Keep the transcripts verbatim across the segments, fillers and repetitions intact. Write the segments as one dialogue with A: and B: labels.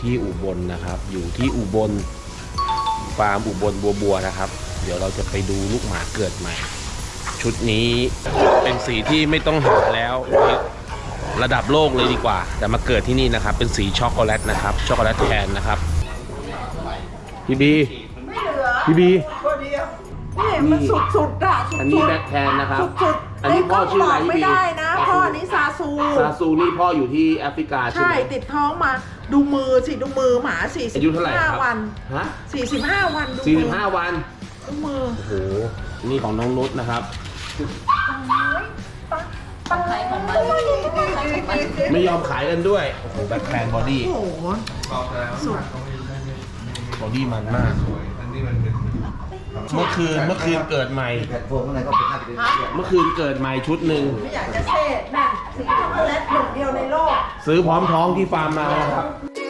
A: ที่อุบลนะครับอยู่ที่อุบลฟาร์มอุบลบัวบัวนะครับเดี๋ยวเราจะไปดูลูกหมาเกิดใหม่ชุดนี้เป็นสีที่ไม่ต้องหาแล้วระดับโลกเลยดีกว่าแต่มาเกิดที่นี่นะครับเป็นสีช็อกโกแลตนะครับช็อกโกแลตแทนนะครับพี่บีพี่บี
B: นี่มันสุดๆอ่ะสุดๆ
A: อันนี้แบ็คแทนนะครับ
B: สุดๆ
A: อันนี้พ่อชื่ออะไรพี่บี
B: ไม่ได้นะพ่อนี้ซาซู
A: ซาซูนี่พ่ออยู่ที่แอฟริกาใช่
B: ใช่
A: ไหม
B: ติดท้องมาดูมือสิดูมือหมาสี่สิบ
A: อายุเท่าไหร่ค
B: ห้า
A: รับ
B: วัน
A: ฮะ
B: สี่สิบห้าวันดู
A: สี่สิ
B: มื
A: บห้าวัน
B: ดูมือ
A: โอ้โหนี่ของน้องนุชนะครับไม่ยอมขายกันด้วยโอ้โหแบ็คแทนบอดี้
B: โอ้โหสุด
A: บอดี้มันมากเมื่อคืนเมื่อคืนเกิดใหม่
C: แพลตฟอร์มอะไรก็เป็นน่าจะเป็นเรื่อง
A: เมื่อคืนเกิดใหม่ชุดหนึ่ง
B: ไม่อยากจะเซ่แม่งสีช็อกโกแลตหนึ่งเดียวในโลก
A: ซื้อพร้อมท้องที่ฟาร์มมานะครับ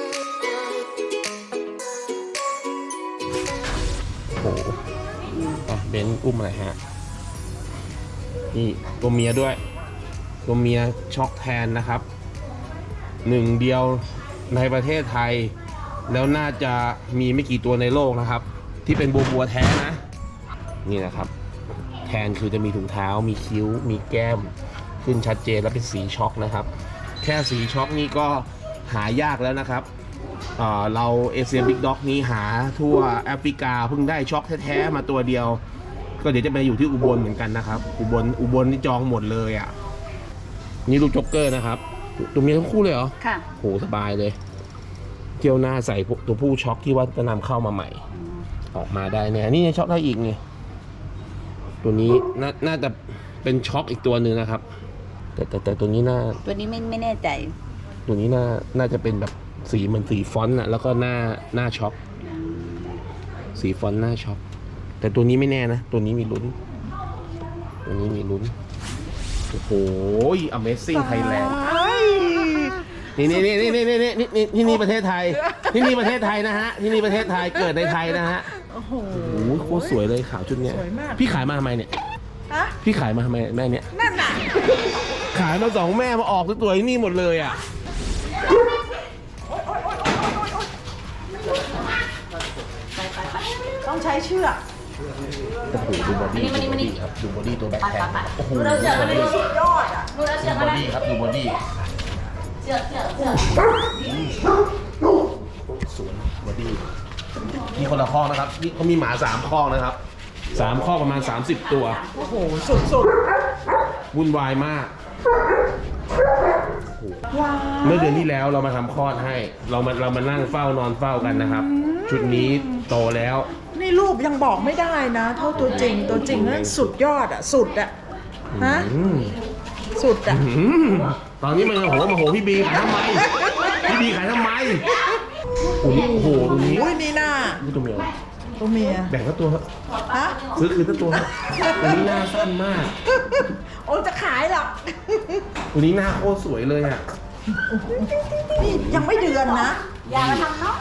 A: โอ้โหอ่ะเบนซ์อุ้มอะไรฮะนี่ตัวเมียด้วยตัวเมียช็อกแทนนะครับหนึ่งเดียวในประเทศไทยแล้วน่าจะมีไม่กี่ตัวในโลกนะครับที่เป็นบัวบัวแท้นะนี่นะครับแทนคือจะมีถุงเท้ามีคิ้วมีแก้มขึ้นชัดเจนและเป็นสีช็อกนะครับแค่สีช็อกนี่ก็หายากแล้วนะครับเอ่อเราเอเชียบิ๊กด็อกนี้หาทั่วแอฟริกาเพิ่งได้ช็อกแท้ๆมาตัวเดียวก็เดี๋ยวจะไปอยู่ที่อุบลเหมือนกันนะครับอุบลอุบลนี่จองหมดเลยอ่ะนี่ลูกจ็อกเกอร์นะครับตัวเมียทั้งคู่เลยเหรอค่ะโหสบายเลยเที่ยวหน้าใส่ตัวผู้ช็อกที่ว่าจะนำเข้ามาใหม่ออกมาได้เนี่ยนี่ช็อกได้อีกนี่ตัวนี้น่าน่าจะเป็นช็อกอีกตัวหนึ่งนะครับแต่แต่แต่ตัวนี้น่า
D: ตัวนี้ไม่ไม่แน่ใจ
A: ตัวนี้น่าน่าจะเป็นแบบสีเหมือนสีฟอนต์อะแล้วก็หน้าหน้าช็อกสีฟอนต์หน้าช็อกแต่ตัวนี้ไม่แน่นะตัวนี้มีลุ้นตัวนี้มีลุ้นโอ้โห Amazing Thailand นี่นี่นี่นี่นี่นี่นี่นี่ที่นี่ประเทศไทยที่นี่ประเทศไทยนะฮะที่นี่ประเทศไทยเกิดในไทยนะฮะ
B: โอ้โห
A: โอ้โหโคตรสวยเลยขาวชุดเนี้ย
B: สวยมาก
A: พี่ขายมาทำไมเนี่ย
B: ฮะ
A: พี่ขายมาทำไมแม่เนี้ย
B: นั่นน่ะ
A: ขายมาสองแม่มาออกตัวที่นี่หมดเลยอ่ะ
B: ต้องใช้เชือก
A: โอ้โหดูบอดี้ดูบอดี้ครับดูบอดี้ตัวแบ็คแทนโอ้โห
B: สุดยอดอ่ะ
A: ดูบอดี้ครับดูบอดี้สวยบอดี้นี่คนละข้อนะครับนี่เขามีหมาสามข้อนะครับสามข้อประมาณสามสิบตัว
B: โอ้โหสุด
A: วุ่นวายมาก
B: ๆว้าว
A: เมื่อเดือนที่แล้วเรามาทำคลอดให้ เรามาเรามานั่งเฝ้านอนเฝ้ากันนะครับ ชุดนี้โตแล้ว
B: นี่รูปยังบอกไม่ได้นะเท่าตัวจริงตัวจริงนั้นสุดยอดอ่ะสุดอ่ะฮะ
A: อืม
B: สุดอ่ะ
A: อืมตอนนี้มันโอ้โหมาโหพี่บีขายทำไมพี่บีขายทำไมโอ้โหโอ้โหตรงนี้
B: อุ้ยนี่หน้า
A: นี่ตัวเมีย
B: ตัวเมีย
A: แบ่งก็ตัวเถอะ
B: ฮะ
A: ซื้อคืนตัวตัวเถอะตัวนี้หน้าสั้นมาก
B: โอ้จะขายหรอก
A: ตัวนี้หน้าโคตรสวยเลยอ่ะ
B: นี่ยังไม่เดือนนะ
D: อย่ามาทำเนาะ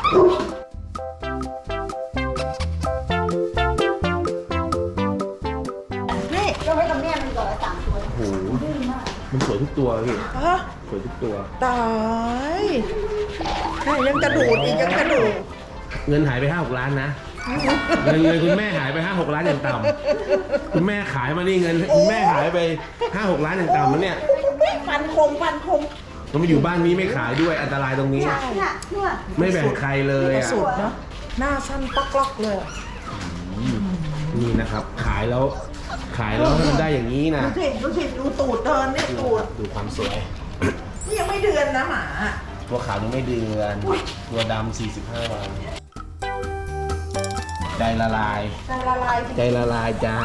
B: นี่
D: ยกให้กับแม่มันก่อนละสามตัว
A: โอ้โหมันสวยทุกตัวพี่
B: ฮะ
A: สวยทุกตัว
B: ตายแม่ยังกระดูดอีกยังกระดูด
A: เงินหายไปห้าหกล้านนะเงินเงินคุณแม่หายไปห้าหกล้านอย่างต่ำคุณแม่ขายมานี่เงินคุณแม่หายไปห้าหกล้านอย่างต่ำมันเนี่ย
B: ฟันคมฟันคม
A: ต้องมาอยู่บ้านนี้ไม่ขายด้วยอันตรายตรงนี้
D: เนี่ยเนี่ย
A: ไม่แบ่งใครเลยอ่ะ
B: สุดเนาะหน้าสั้นปอกล็อกเลย
A: นี่นะครับ ขายแล้วขายแล้วให้มันได้อย่างนี้นะ
B: ดูสิดูสิดูตูดเดินนี่ตูด
A: ดูความสวย
B: นี่ยังไม่เดือนนะหมา
A: ตัวขาวยังไม่เดือนตัวดำสี่สิบห้าวันใจละลาย
B: จะละลาย
A: ใจละลายจ้า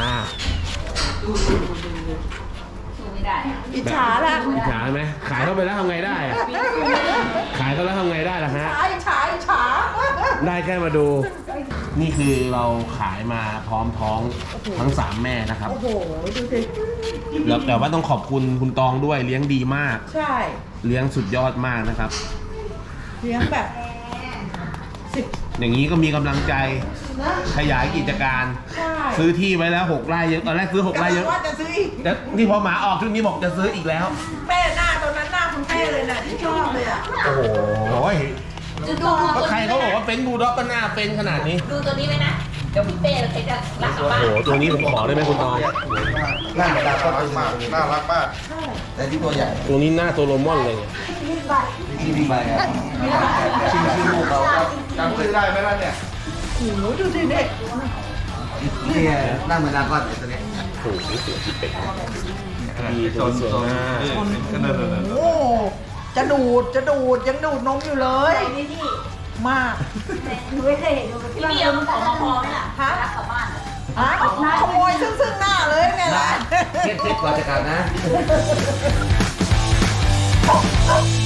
D: สู้ไม่ได้อะ
B: อิจฉาละ
A: อิจฉาไหมขายเข้าไปแล้วทำไงได้อะขายเขาแล้วทำไงได้ล่ะฮะ
B: อิจฉาอิจฉา
A: ได้แค่มาดู นี่คือเราขายมาพร้อมท้องทั้งสามแม่นะครับ
B: โอ้โหดูสิ
A: แล้วแต่ว่าต้องขอบคุณคุณตองด้วยเลี้ยงดีมาก
B: ใช่
A: เลี้ยงสุดยอดมากนะครับ
B: เลี้ยงแบบสิบ
A: อย่างนี้ก็มีกำลังใจขยายกิจการ
B: ใช่
A: ซื้อที่ไว้แล้วหกไร่เยอะตอนแรกซื้อหกไร่เยอะ
B: กำลังว่าจะซื้ออีก
A: แต่ที่พอหมาออกชุดนี้บอกจะซื้ออีกแล้ว
B: แม่หน้าตอนนั้นหน้าคุณแม่เลยนะที่ชอบเลยอ่ะ
A: โอ้โห
D: ดูดู
A: ก็ใครเขาบอกว่าเป็นบูลด็อกก็หน้าเป็นขนาดนี้
D: ดูตัวนี้ไว้นะ เดี๋ยวพี่เป้เราจะรักกลับบ้าน
A: โอ้โหตัวนี้ผมขอได้ไหมคุณตอง
C: นั่งกระดาษก็เป็น
E: มากน่ารักมาก
C: แต่ที่ตัวใหญ่
A: ตัวนี้หน้าตัวโรมอนเลยเนี่ย
C: ที่พี่ใบครับชื่อชื่อลูกเขาครับ
E: จำชื่อได้ไหมล่ะเนี่ย
B: โอ้โหดูสิเด็ก
C: นี่นั่งเหมือนดราก้อนตัวนี้
A: โอ้โหเสือที่เป็ดดีตัวสวยมาก
B: โอ้จะดูดจะดูดยังดูดนมอยู่เลย
D: นี่พี่
B: มาก
D: หนูไม่เคยเห็นดูพี่เบียร์มันของมาพอไหมล่ะ
B: ฮะ
D: รักกลับบ้านอะ
B: ฮะขโมยซึ่งซึ่งหน้าเลยไงล่ะ
C: เช็ดเช็ดก่อนจะกลับนะ